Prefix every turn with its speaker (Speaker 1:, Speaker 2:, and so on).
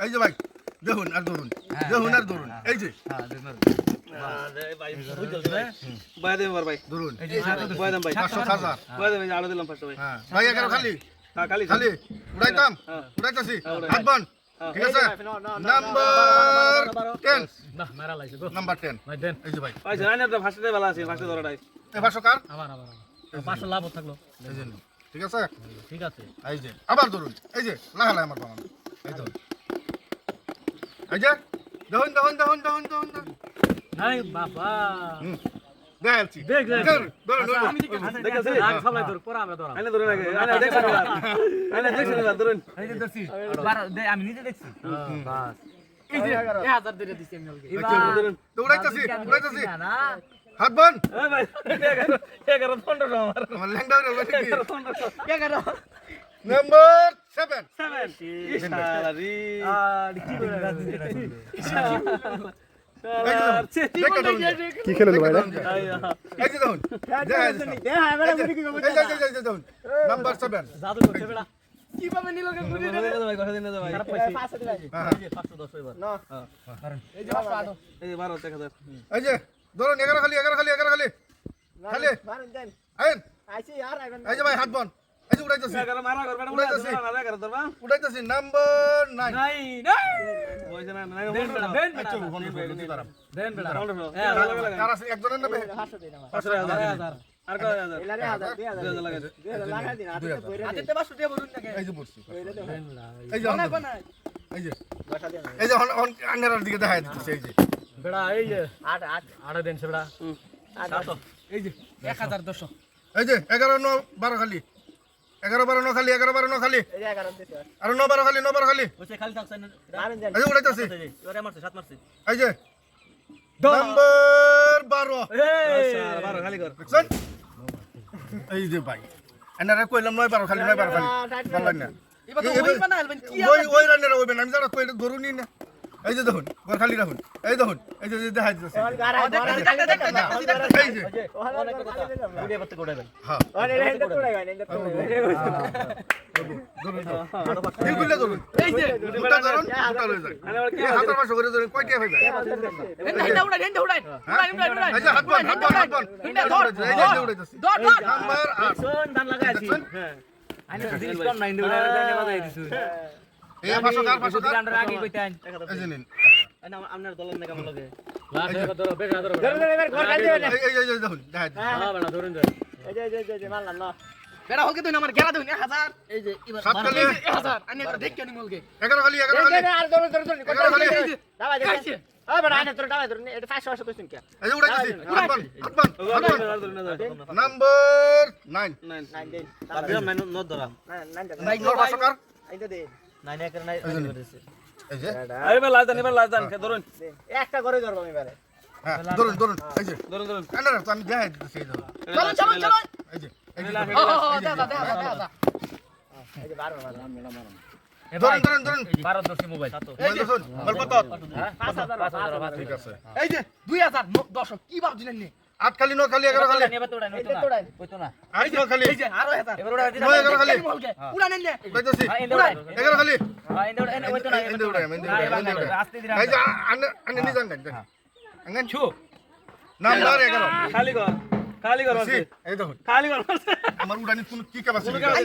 Speaker 1: এই যে ভাই দেখুন আর ধরুন এই যে
Speaker 2: ভাই দেব ভাই
Speaker 1: ধরুন
Speaker 2: ভাই দাম ভাই
Speaker 1: 500 হাজার
Speaker 2: ভাই দাম আলো দিলাম 500 ভাই
Speaker 1: হ্যাঁ ভাই 11 খালি
Speaker 2: খালি
Speaker 1: খালি উড়াইতাম উড়াইতাছি হাত বন ঠিক আছে নাম্বার 10
Speaker 3: না মেরা লাইছে গো
Speaker 1: নাম্বার 10
Speaker 3: ভাই দেন
Speaker 1: এই যে ভাই
Speaker 2: ভাই জানেন তো ফার্স্টে ভালো আছে ফার্স্টে ধরাটাই
Speaker 1: এই 500 কার
Speaker 3: আমার 500 লাভ থাকলো
Speaker 1: এই যে ঠিক আছে
Speaker 3: ঠিক আছে
Speaker 1: এই যে আবার ধরুন এই যে লাগালে আমার বাবা এই ধরুন এই যে দেখুন
Speaker 3: নাই বাবা
Speaker 1: দেখাচ্ছি
Speaker 3: দেখ
Speaker 1: ধরুন
Speaker 3: আমি দেখেছি আগ সবাই ধর পরে আমরা ধরা
Speaker 2: আইনা ধরুন আগে আইনা দেখছেন ধরুন
Speaker 3: এই যে দেখছি আমি নিজে দেখছি বাস এই যে 1000 দিয়ে দিছি আমি ওকে
Speaker 1: উড়াইতাছি
Speaker 3: না
Speaker 1: হাত বন
Speaker 2: এই ভাই 11 15 আমার
Speaker 1: আমার ল্যাংডা হয়ে গেল নাকি
Speaker 2: 11
Speaker 1: নাম্বার 7
Speaker 2: 7 ইশারি
Speaker 3: কি করে রাজনীতি
Speaker 4: কি খেলেন ভাই
Speaker 1: এই যে দেখুন দেখুন নাম্বার 7
Speaker 3: জাদু করছে বেটা কিভাবে নিল কে বুঝি না
Speaker 2: ভাই কথা দিন না ভাই
Speaker 3: খারাপ পাইছি 510 এবার
Speaker 2: না
Speaker 3: এই যে 508
Speaker 2: এই যে 12 1000
Speaker 1: এই যে ধরুন 11 খালি খালি আইন এই যে ভাই হাত বন এই যে উড়াইতাছি
Speaker 2: 11 মারা করবে না মারা করে ধরবা
Speaker 1: উড়াইতাছি নাম্বার 9
Speaker 3: নাই নাই
Speaker 2: বইছে না না
Speaker 3: দেন বেটা
Speaker 1: কার আছে একজনের নামে
Speaker 2: 5000 আর কয় হাজার
Speaker 1: এই যে পড়ছি এই যে আন্নার দিকে দেখা যাচ্ছে এই যে
Speaker 3: বেটা এই যে 8 দেন সে বেটা এই যে 1200
Speaker 1: এই যে 11 9 12 খালি 11 12 9 খালি 11 12 9 খালি আর 9 12 খালি 9 12 খালি
Speaker 3: ওছে খালি থাকছেন
Speaker 1: এই যে উড়াইতাছি
Speaker 3: এবারে মারছে 7 মারছে
Speaker 1: এই যে নাম্বার 12
Speaker 3: এই
Speaker 2: 12 খালি কর
Speaker 1: দেখছেন এই যে ভাই এনারে কইলাম 9 12 খালি বললেন না
Speaker 3: এবার তো ওই বানাইবেন কি
Speaker 1: ওই রান্নার ওইবেন আমি যারা কইলে ধরুনি না এই যে দেখুন ঘর খালি রাখুন এই দেখুন এই যে দেখা যাচ্ছে এই যে
Speaker 3: ভিডিও করতে কোড়াবেন
Speaker 1: হ্যাঁ দিলগুলো ধরুন
Speaker 3: এই যে
Speaker 1: দুটা ধরুন দুটা লয়ে যায় এই হাতের মাস করে ধরুন কয়টা হইবে
Speaker 3: হেন্ডা উড়াই
Speaker 1: এই যে হাত বন এই যে উড়াইতাছি নাম্বার 8
Speaker 3: শোন দান লাগাইছি হ্যাঁ আইনে জিনিস কম নাই উড়াই বাজাই দিছু
Speaker 1: এই 500 কার 500 কার
Speaker 3: আমরা আগে কইতেন
Speaker 1: এই যে নিন
Speaker 2: আইনা আপনার দলের না কেমন লাগে
Speaker 3: লাখ ধরো বেটা ধরো
Speaker 1: এই দেখুন দেখা যাচ্ছে
Speaker 3: হ্যাঁ বেটা ধরুন বেটা হলকে তুই আমার গেরা দিন 1000 এই যে এবার
Speaker 1: 7 খালি
Speaker 3: 1000 আইনে দেখ কেন মলকে
Speaker 1: 11 খালি 11 খালি
Speaker 5: আর ধরুন
Speaker 1: 11 খালি
Speaker 5: দাবাই দেখি আ বড় আনে তোর দাবাই ধরুন এটা 500 কইছেন কি
Speaker 1: এই যে উড়াইতাছি হাত বন নাম্বার 9
Speaker 5: 9 দেন
Speaker 2: তারপর মেনু নোট ধরা
Speaker 5: 9
Speaker 1: ভাই 500 কার
Speaker 5: আইতে দে
Speaker 3: 9 এর নাই
Speaker 1: এই যে
Speaker 2: এবার লাজ দেন ধরুন
Speaker 5: একটা করে ধরব আমি এবারে
Speaker 1: হ্যাঁ ধরুন এই যে
Speaker 2: ধরুন
Speaker 1: না তো আমি দেখাই দিতেছি এই ধরুন
Speaker 3: চলো
Speaker 1: এই যে
Speaker 3: দেখা
Speaker 5: এই যে 12
Speaker 1: ধরুন
Speaker 3: 12 দর্শি মোবাইল
Speaker 1: দেখুন গল্প তো
Speaker 5: 5000
Speaker 1: ঠিক আছে
Speaker 3: এই যে 2000 দর্শক কি ভাব দিলেন নি
Speaker 1: 8 খালি 9 খালি 11 খালি
Speaker 3: নেবা তোড়াই কইতো না
Speaker 1: 8 9 খালি
Speaker 3: এই যে আরো হেতা এবার উড়াই
Speaker 1: নয় এগারো খালি।
Speaker 3: উড়া নেন নে
Speaker 1: উড়াইতাছি
Speaker 3: হ্যাঁ এন্ড উড়াই
Speaker 1: 11 খালি
Speaker 3: হ্যাঁ এন্ড উড়াই কইতো না
Speaker 1: এন্ড উড়াই
Speaker 3: আস্তে ধীরে
Speaker 1: এই যে আনে নি জান আঙ্গান
Speaker 3: ছু
Speaker 1: নাম্বার 11
Speaker 2: খালি কর
Speaker 1: এই দেখুন
Speaker 2: খালি কর
Speaker 1: আমার উড়ানি কোন কি ক্যাপাসিটি